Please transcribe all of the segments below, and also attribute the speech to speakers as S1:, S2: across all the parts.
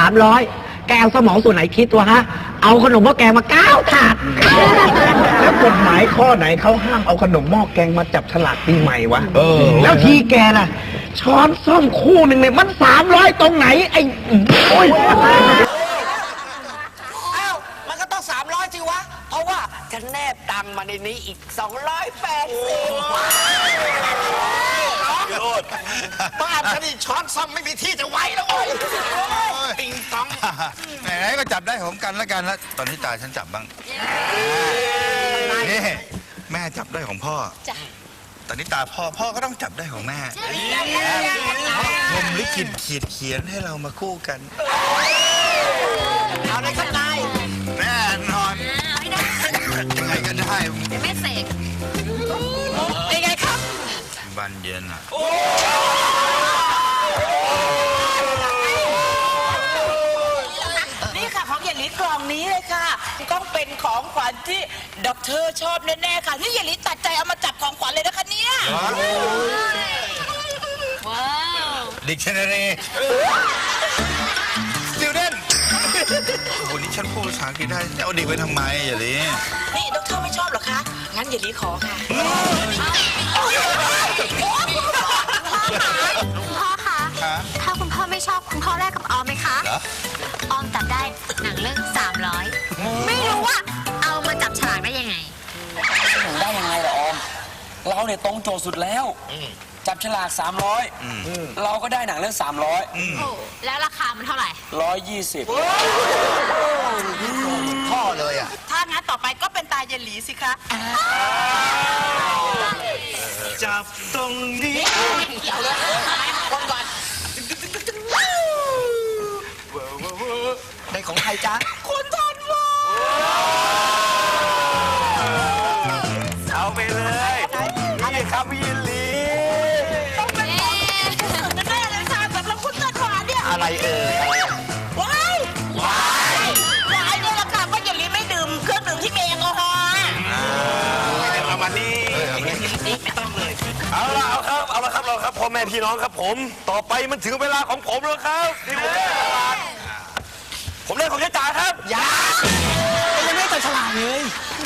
S1: 300แกเอาสมองส่วนไหนคิดวะฮะเอาขนมหม้อแกงมา9 ถาด
S2: แล้วกฎหมายข้อไหนเขาห้ามเอาขนมหม้อแกงมาจับฉลากปีใหม่วะแล้วทีแกน่ะช้อนส้อมคู่หนึ่งเนี่ยมัน300ตรงไหนไอ้โอ้ย
S3: อ้าวมันก็ต้อง300สิวะเพราะว่าจะแนบตังค์มาในนี้อีก280บ้านฉันนี่ช้อนซ่อมไม่มีที่จะไว้แล้วโอ้ยติงตอง
S4: ไหนๆก็จับได้ของกันแล้วกันแล้วตอนนี้ตาฉันจับบ้างนี่แม่จับได้ของพ่อตอนนี้ตาพ่อก็ต้องจับได้ของแม่ผมลิขิตเขียนให้เรามาคู่กัน
S3: เอาในข้างใน
S4: แน่นอนยังไงก็ได้
S5: แม่เสก
S3: เป็นไงครับ
S4: บันเย็นอ่ะ
S3: นี่ค่ะของเยลลี่กล่องนี้เลยค่ะต้องเป็นของขวัญที่ด็อกเตอร์ชอบแน่ๆค่ะนี่เยลลี่ตัดใจเอามาจับของขวัญเลยนะคะเนี่ย
S5: ว้าว
S4: ดิกชันนารีสติวเดนวันนี้ฉันพูดภาษาอังกฤษได้จะเอาดิกไปทำไมอย่างนี้
S3: นี่ด็อกเตอร์ไม่ชอบหรอคะงั้นเยลลี่ขอค่ะ
S5: คุณพ่อคะถ้าคุณพ่อไม่ชอบคุณพ่อแลกกับออมไหมคะออมจับได้หนังเรื่อง300ไม่รู้ว่าเอามาจับฉลากได้ยังไง
S6: ได้ยังไงล่ะออมเราเนี่ยตรงโจทย์สุดแล้วจับฉลาก300เราก็ได้หนังเรื่อง300
S5: แล้วราคามันเท่าไหร่
S6: 120
S4: พ่อเลยอ่ะ
S3: ถ้างั้นต่อไปก็เป็นตาเยลลี่สิคะ
S4: จับตรงนี้
S3: เกี่ยวเลยคนก่อนในของใครจ๊ะคุณทันวา
S4: เอาไปเลยนี่ครับพี่ยินลี
S3: ต้องเป็นของแน่เลยค่ะสำหรับคุณทันวาเนี่ย
S4: อะไร
S3: ว้ายเนี่ยแหละค่ะว่าเยลลี่ไม่ดื่มเครื่องดื่มที่มีแอลกอฮอล์
S4: เอามานี่
S3: ไม่ต้องเลย
S4: เอาละครับพ่อแม่พี่น้องครับผมต่อไปมันถึงเวลาของผมแล้วครับที่ผมได้ของเจ๊จ๋าครับ
S3: ยังไม่ตัดฉลากเลย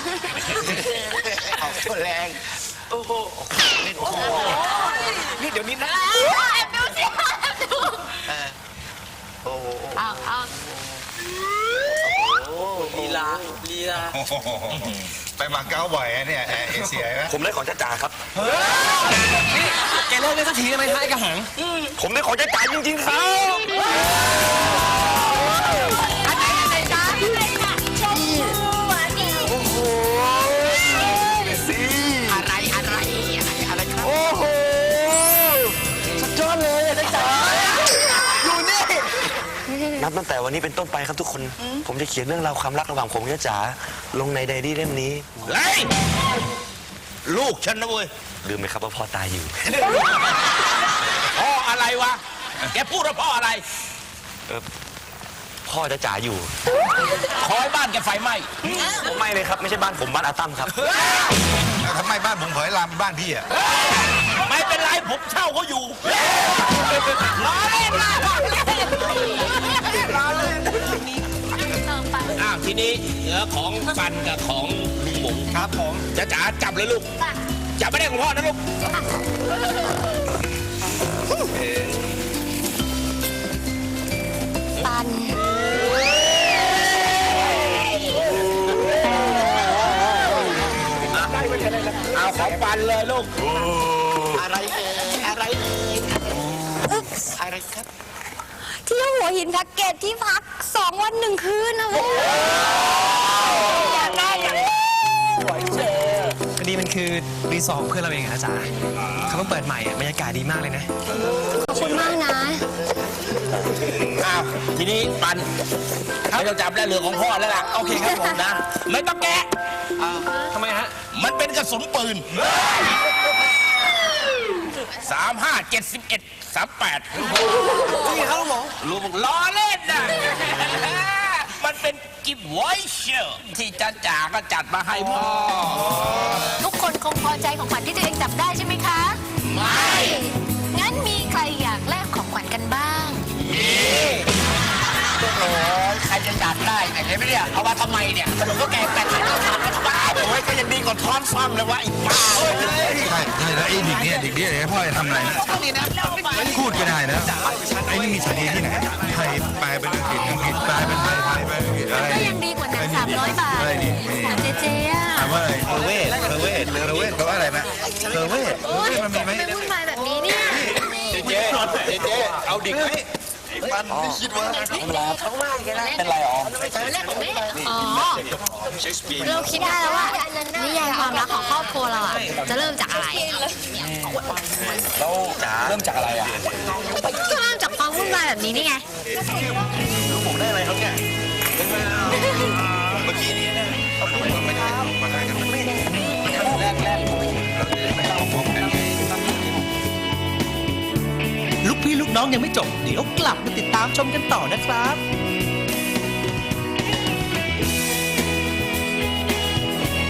S4: ออกตัวแรงโอ้โหนี่เดี๋ยวนี้นะ
S5: ดูสิ
S4: โอ้โห
S5: เอา
S6: ลีลา
S4: ไปมาเก๊าบ่อยเนี่ยเอเชียไหมผมได้ของเจ๊จ๋าครับ
S6: แกเลิกได้สักทีได้ไหมท้ายกระหัง
S4: ผมได้ของเจ๊จ๋าจริงๆครับ
S7: นับตั้งแต่วันนี้เป็นต้นไปครับทุกคนผมจะเขียนเรื่องราวความรักระหว่างผมกับจ๋าลงในไดอารี่เล่มนี้
S4: ลูกฉันนะเว้ย
S7: ลืมไหมครับว่าพ่อตายอยู่
S4: พ่ออะไรวะแกพูดว่าพ่ออะไร
S7: พ่อจะจ๋าอยู่
S4: คอยบ้านแกไฟไหม้
S7: ไม่เลยครับไม่ใช่บ้านผมบ้านอาตั้มครับ
S4: ทำไมบ้านผมขอยลามบ้านพี่อ่ะไม่เป็นไรผมเช่าเขาอยู่
S3: ล้อเล่นนะ
S8: ทีนี้เหลือของปันกับของลุงหมง
S4: ครับผม
S8: จ๋าจับเลยลูกจับไม่ได้ของพ่อนะลูก
S5: ปัน
S8: เอาของปันเลยลูก
S3: อะไรครับ
S5: ที่หัวหินแพ็กเกจที่พัก2 วัน 1 คืนนะเว้ยอยากได้
S6: พอดีมันคือรีสอร์ทของเพื่อนเราเองนะจ๊ะเขาเพิ่งเปิดใหม่บรรยากาศดีมากเลยนะ
S5: ขอบคุณมากนะ
S8: ทีนี้ปันไม่ต้องจับได้เรื่องของพ่อแล้วล่ะ
S6: โอเคครับผม
S8: นะไม่ต้องแกะ
S6: ทำไมฮะ
S8: มันเป็นกระสุนปืน35 71 38
S6: นี่ครับหมอ
S8: ลูกล้อเล่นนะมันเป็นกิฟต์วอยเชอร์ที่จ๋าก็จัดมาให้พ่อ
S5: ทุกคนคงพอใจของขวัญที่ตัวเองจับได้ใช่ไหมคะไม่งั้นมีใครอยากแลกของขวัญกันบ้างมี
S8: โอ้ยใครจะจัดได้เนี่ยเห็นไหมเนี่ยเอามาทำไมเนี่ยขนมก็แกงแต่ไข่เอามาทำไมโอ้ยก็ยังดีกว่าท้อนซ่อมเลยวะไอ้บ้า
S4: ใช่แล้วไอ้เด็กเนี่ยพ่อจะทำอะไรนะพูดก็ได้นะไอ้นี่มีสาเหตุที่ไหนไทยแปลเป็นอังกฤษแปลเป็นไทยแปลเป็นอังกฤษอะไร
S5: ก็ยังดีกว่าหนัง300 บาท
S4: อะไรนี่
S5: เจเจอ่ะ
S4: ถามว่าอะไรเทเวศแปลว่าอะไรนะเทเวศมันมีไหม
S5: ไม่วุ่นวายแบบนี้เนี่ย
S8: เจ๊เอาดิกไหม
S4: มันไม่คิดว่า
S6: เป็นไรออม
S5: อ๋อ เราคิดได้แล้วว่านิยายความรักของครอบครัวเราอ่ะจะเริ่มจากอะไร
S6: แล้วเริ่มจากอะไรอ่ะ
S5: ก็เริ่มจากความวุ่นวายแบบนี้นี่ไง
S4: ผมได้อะไรครับเนี่ยเมื่อกี้นี้นะไม่ได้มาได้กันแรก
S9: ลูกพี่ลูกน้องยังไม่จบ เดี๋ยวกลับมาติดตามชมกันต่อนะครับ